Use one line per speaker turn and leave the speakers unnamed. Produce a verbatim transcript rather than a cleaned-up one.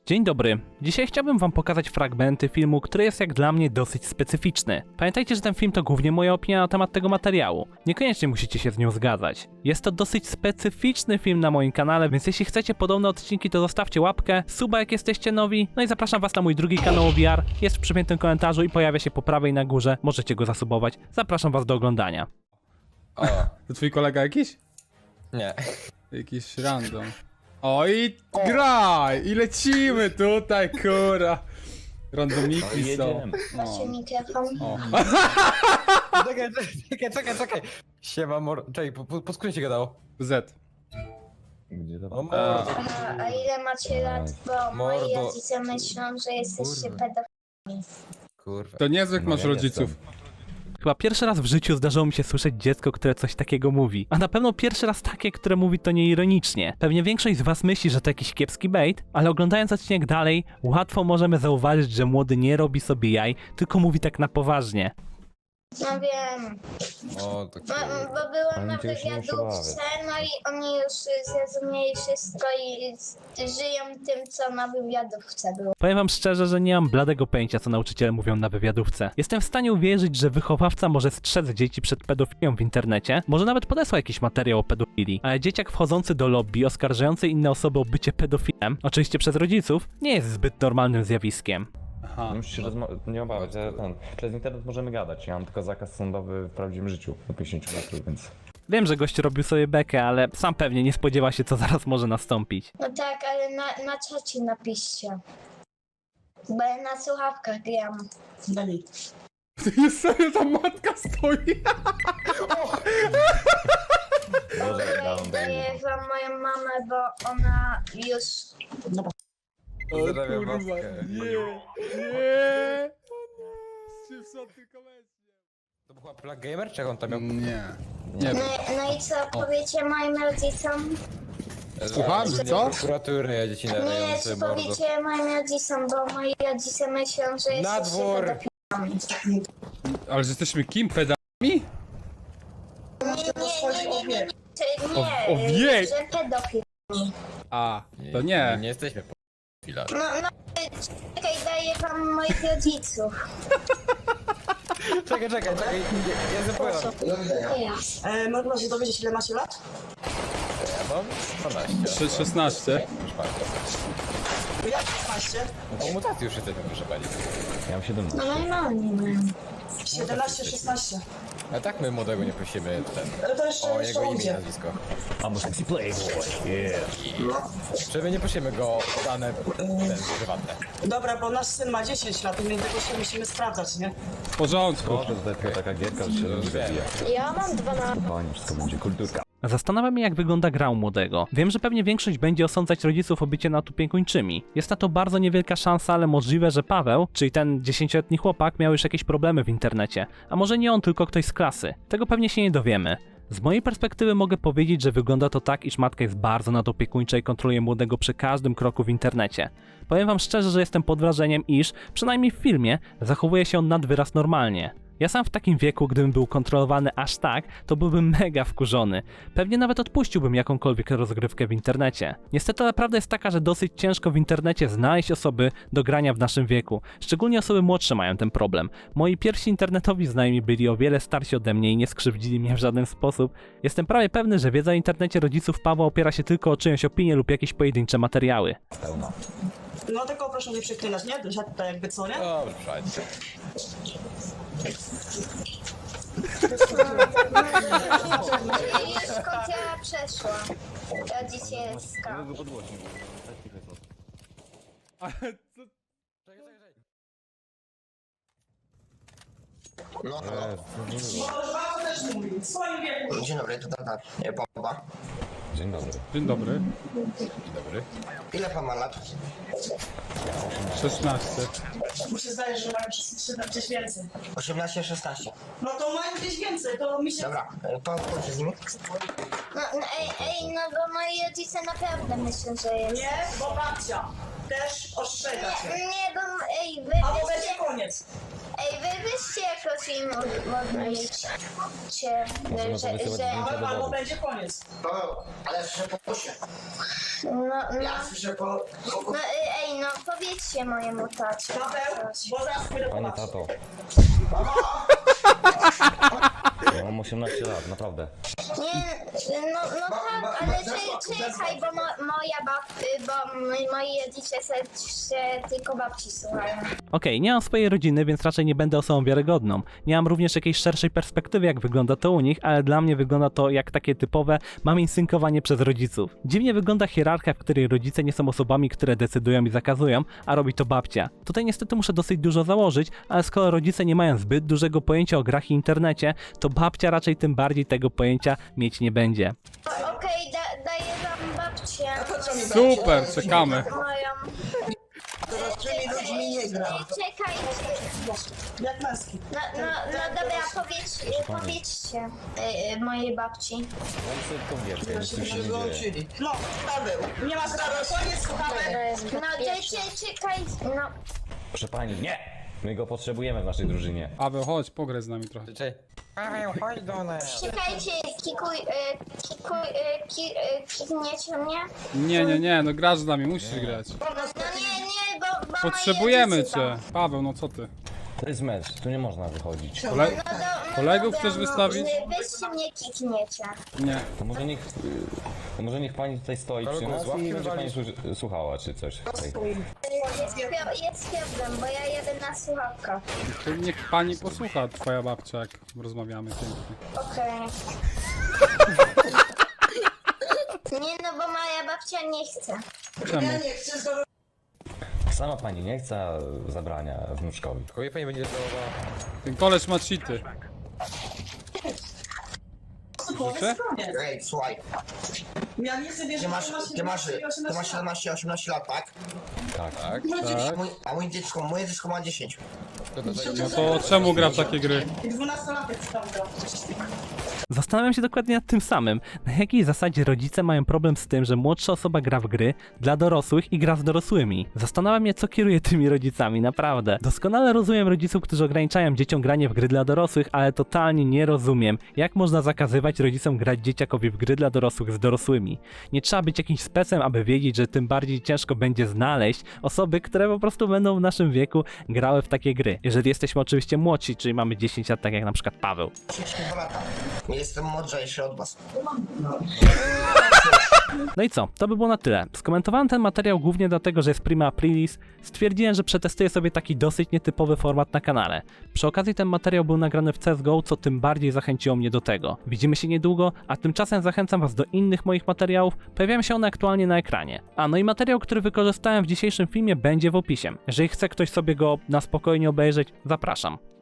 Dzień dobry. Dzisiaj chciałbym wam pokazać fragmenty filmu, który jest jak dla mnie dosyć specyficzny. Pamiętajcie, że ten film to głównie moja opinia na temat tego materiału. Niekoniecznie musicie się z nią zgadzać. Jest to dosyć specyficzny film na moim kanale, więc jeśli chcecie podobne odcinki, to zostawcie łapkę, suba jak jesteście nowi, no i zapraszam was na mój drugi kanał o V R, jest w przypiętym komentarzu i pojawia się po prawej na górze, możecie go zasubować. Zapraszam was do oglądania.
O, to twój kolega jakiś?
Nie.
Jakiś random. O i graj! I lecimy tutaj, kura! Randomiki są.
Macie mikrofon?
O.
Czekaj, czekaj, czekaj, czekaj. Siema mor... Czekaj, po, po, po skrócie się gadało.
Z.
Gdzie to?
O mordo.
Aha, a ile macie lat? Bo moi
Mordo.
rodzice myślą, że jesteście
Kurwa.
pedofilami.
Kurwa.
To niezłych
No,
masz
ja
rodziców.
Chyba pierwszy raz w życiu zdarzyło mi się słyszeć dziecko, które coś takiego mówi. A na pewno pierwszy raz takie, które mówi to nieironicznie. Pewnie większość z was myśli, że to jakiś kiepski bait, ale oglądając odcinek dalej, łatwo możemy zauważyć, że młody nie robi sobie jaj, tylko mówi tak na poważnie.
No wiem,
O, to
bo,
kurwa.
bo byłam
Ale
na
cię już nie muszę
wywiadówce, no i oni już zrozumieli wszystko i z- żyją tym, co na wywiadówce było.
Powiem wam szczerze, że nie mam bladego pojęcia, co nauczyciele mówią na wywiadówce. Jestem w stanie uwierzyć, że wychowawca może strzec dzieci przed pedofilią w internecie, może nawet podesła jakiś materiał o pedofilii, ale dzieciak wchodzący do lobby, oskarżający inne osoby o bycie pedofilem, oczywiście przez rodziców, nie jest zbyt normalnym zjawiskiem.
Aha.
Nie musisz się rozma- nie obawiać, ja, ten, przez internet możemy gadać. Ja mam tylko zakaz sądowy w prawdziwym życiu do pięćdziesięciu metrów, więc...
Wiem, że gość robił sobie bekę, ale sam pewnie nie spodziewa się, co zaraz może nastąpić.
No tak, ale na, na czacie napiszcie. Bo ja na słuchawkach gram.
Dani.
Jest sobie ta matka stoi.
Boże, dam,
Okej, daję wam moją mamę, bo ona już...
O
Pozdrawiam
kurwa,
matkę.
nie, nie. Czy są tylko mesje?
To była Plug Gamer, czy jak on tam miał?
Nie. Nie.
No, no i co powiecie moim rodzicom?
Słucham, że co?
Prokuratury, ja dzieci
Nie,
nadające
czy
mordo.
powiecie moim rodzicom, bo moi rodzice myślą, że
Na
jesteście
dwór.
pedofilami.
Ale że jesteśmy kim? Pedami?
Nie, nie, nie, nie, nie, nie, czy
O-
nie,
o wiek.
że pedofil.
A, to nie.
Nie jesteśmy pedofilami.
No, no, czekaj, daję wam moich rodziców.
Czekaj, czekaj, czekaj. Ja, ja zapowiem.
E, można się dowiedzieć, ile macie lat?
Ja mam dwanaście.
Sze- szesnaście.
Już bardzo.
Jak szesnaście?
No po mutacji już jesteśmy, proszę pani.
Ja mam siedemnaście.
No normalnie mają.
siedemnaście, szesnaście.
A tak my młodego nie prosimy ten...
E, to jeszcze,
O
jeszcze
jego imię i
ujdzie.
nazwisko.
I'm a sexy playboy, yeah.
Że my nie prosimy go o dane ten, prywatne.
Dobra, bo nasz syn ma dziesięć lat i my tego się musimy sprawdzać, nie?
W porządku.
Może tutaj tylko taka gierka, że się rozwija.
Ja mam dwanaście.
Panie, wszystko będzie kulturka.
Zastanawiam się, jak wygląda gra u młodego. Wiem, że pewnie większość będzie osądzać rodziców o bycie natupiekuńczymi. Jest na to bardzo niewielka szansa, ale możliwe, że Paweł, czyli ten dziesięcioletni chłopak, miał już jakieś problemy w internecie. A może nie on, tylko ktoś z klasy. Tego pewnie się nie dowiemy. Z mojej perspektywy mogę powiedzieć, że wygląda to tak, iż matka jest bardzo nadopiekuńcza i kontroluje młodego przy każdym kroku w internecie. Powiem wam szczerze, że jestem pod wrażeniem, iż, przynajmniej w filmie, zachowuje się on nad wyraz normalnie. Ja sam w takim wieku, gdybym był kontrolowany aż tak, to byłbym mega wkurzony. Pewnie nawet odpuściłbym jakąkolwiek rozgrywkę w internecie. Niestety ale prawda jest taka, że dosyć ciężko w internecie znaleźć osoby do grania w naszym wieku. Szczególnie osoby młodsze mają ten problem. Moi pierwsi internetowi znajomi byli o wiele starsi ode mnie i nie skrzywdzili mnie w żaden sposób. Jestem prawie pewny, że wiedza o internecie rodziców Pawła opiera się tylko o czyjąś opinię lub jakieś pojedyncze materiały.
Pełno.
No tylko proszę nie przeklinać, nie? Że tutaj jakby co, nie?
Dobrze, przejdźcie.
Już kąpiela przeszła. Rodzicielska.
Ale co?
No,
Może Paweł też mówi, w swoim wieku.
dzień dobry, to tata nie, Boba.
Dzień dobry.
Dzień dobry.
Dzień dobry.
Ile pan ma lat?
szesnaście.
Muszę zdaje, że mają gdzieś- gdzieś więcej.
osiemnaście, szesnaście.
No to mają gdzieś więcej, to mi się...
Dobra, e, pan chodzi z nimi?
No, no ej, ej, no bo moi rodzice naprawdę myślą, że jest.
Nie, bo babcia też ostrzega cię.
Nie, bo ej, wy
Albo
byście,
będzie koniec.
ej, wy byście jakoś im odmówicie,
Możemy
że,
wysyłać
że,
zdjęcia
Albo,
do
albo
wody.
będzie koniec.
Paweł, ale słyszę po głosie.
no, no,
Ja słyszę po... po...
no, ej, no wybaczcie mojemu tacie.
Paweł, bo zaraz pójdę po
Panie
was.
tato. Ja mam osiemnaście lat, naprawdę.
Nie, no, no tak, ale czy, czekaj, bo mo, moja bab, bo moi rodzice se, się tylko babci słuchają.
Okej, nie mam swojej rodziny, więc raczej nie będę osobą wiarygodną. Nie mam również jakiejś szerszej perspektywy, jak wygląda to u nich, ale dla mnie wygląda to jak takie typowe maminsynkowanie przez rodziców. Dziwnie wygląda hierarchia, w której rodzice nie są osobami, które decydują i zakazują, a robi to babcia. Tutaj niestety muszę dosyć dużo założyć, ale skoro rodzice nie mają zbyt dużego pojęcia o grach i internecie, to babcia raczej tym bardziej tego pojęcia mieć nie będzie.
O- Okej, da, daję wam babcię.
Super, czekamy.
Moją.
Z tymi ludźmi nie gra.
Czekajcie.
Jak męski.
No, no, no dobra, powiedz, powiedzcie y, y, mojej babci.
Mam sobie tylko wieczkę, nic tu się nie dzieje.
Złączyli.
No, Paweł, nie ma sprawy, koniec, słuchamy.
No czekaj, czekaj, no.
Proszę pani, nie! My go potrzebujemy w naszej drużynie.
Paweł, chodź, pograj z nami trochę.
Czekaj. Paweł, chodź do nas.
Czekajcie, kikuj, y, kikuj, y, ki, y, kikniecie mnie?
Nie, nie, nie, no grasz z nami, musisz grać.
No nie, nie, bo, bo
Potrzebujemy
moi rodzice
cię. Paweł, no co ty?
To jest mecz, tu nie można wychodzić.
Kole...
No do, no
Kolegów
dobra,
chcesz wystawić?
No, weźcie mnie kikniecie.
Nie.
To może niech, to może niech pani tutaj stoi przy
Kolegów
nas
z ławki
i będzie pani
wywalisz?
słu- słuchała czy coś. Tutaj.
Jest, pio- jest problem, bo ja jadę na słuchawkach.
To niech pani posłucha, twoja babcia, jak rozmawiamy pięknie.
Okej. Nie no, bo moja babcia nie chce.
Czemu?
Ja nie chcę, to
Sama pani nie chce, a zabrania wnuczkowi.
Kogo pani będzie żałowała?
Ten koleś ma cheaty.
powiedz mnie.
Ej, słuchaj,
Ja nie chcę wierzyć,
ty masz,
że
ty masz, ty masz
osiemnaście lat.
siedemnaście osiemnaście lat, tak?
Tak.
Tak,
No,
tak.
Mój, a moje dziecko, moje dziecko ma dziesięć.
To to zajdzie.
No to czemu gra w takie gry?
I dwunastolatek tam grał.
Zastanawiam się dokładnie nad tym samym. Na jakiej zasadzie rodzice mają problem z tym, że młodsza osoba gra w gry dla dorosłych i gra z dorosłymi? Zastanawiam się, co kieruje tymi rodzicami, naprawdę. Doskonale rozumiem rodziców, którzy ograniczają dzieciom granie w gry dla dorosłych, ale totalnie nie rozumiem, jak można zakazywać rodzicom grać dzieciakowi w gry dla dorosłych z dorosłymi. Nie trzeba być jakimś specem, aby wiedzieć, że tym bardziej ciężko będzie znaleźć osoby, które po prostu będą w naszym wieku grały w takie gry. Jeżeli jesteśmy oczywiście młodsi, czyli mamy dziesięć lat, tak jak na przykład Paweł.
dwa lata. Nie jestem mądrzejszy od was.
No i co? To by było na tyle. Skomentowałem ten materiał głównie dlatego, że jest prima aprilis. Stwierdziłem, że przetestuję sobie taki dosyć nietypowy format na kanale. Przy okazji ten materiał był nagrany w C S G O, co tym bardziej zachęciło mnie do tego. Widzimy się niedługo, a tymczasem zachęcam was do innych moich materiałów. Pojawiają się one aktualnie na ekranie. A no i materiał, który wykorzystałem w dzisiejszym filmie, będzie w opisie. Jeżeli chce ktoś sobie go na spokojnie obejrzeć, zapraszam.